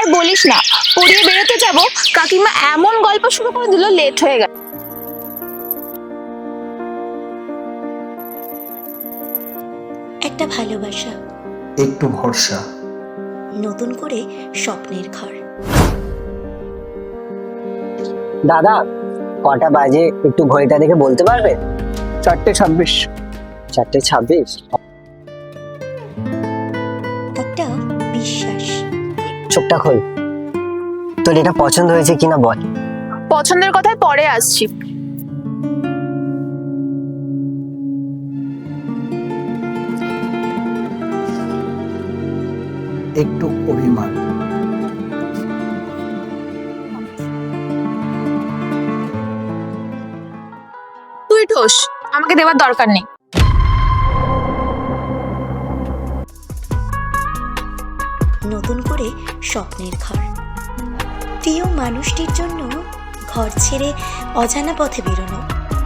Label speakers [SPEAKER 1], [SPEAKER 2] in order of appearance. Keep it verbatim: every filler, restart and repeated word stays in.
[SPEAKER 1] বলিস না, পড়িয়ে বেরোতে যাব, কাকিমা এমন গল্প শুরু করে দিল, লেট হয়ে গেল।
[SPEAKER 2] একটা ভালোবাসা,
[SPEAKER 3] একটু ভরসা,
[SPEAKER 2] নতুন করে স্বপ্নের ঘর।
[SPEAKER 4] দাদা, কটা বাজে একটু ঘড়িটা দেখে বলতে পারবে?
[SPEAKER 5] চারটে ছাব্বিশ।
[SPEAKER 4] চারটে ছাব্বিশ।
[SPEAKER 2] একটা বিশ্বাস।
[SPEAKER 4] চোখটা খোল, তোর এটা পছন্দ হয়েছে কিনা বল।
[SPEAKER 1] পছন্দের কথায় পরে আসছি।
[SPEAKER 3] একটু অভিমান,
[SPEAKER 1] তুই ঠোস, আমাকে দেওয়ার দরকার নেই।
[SPEAKER 2] নতুন করে স্বপ্নের ঘর। প্রিয় মানুষটির জন্য ঘর ছেড়ে অজানা পথে বেরোনো,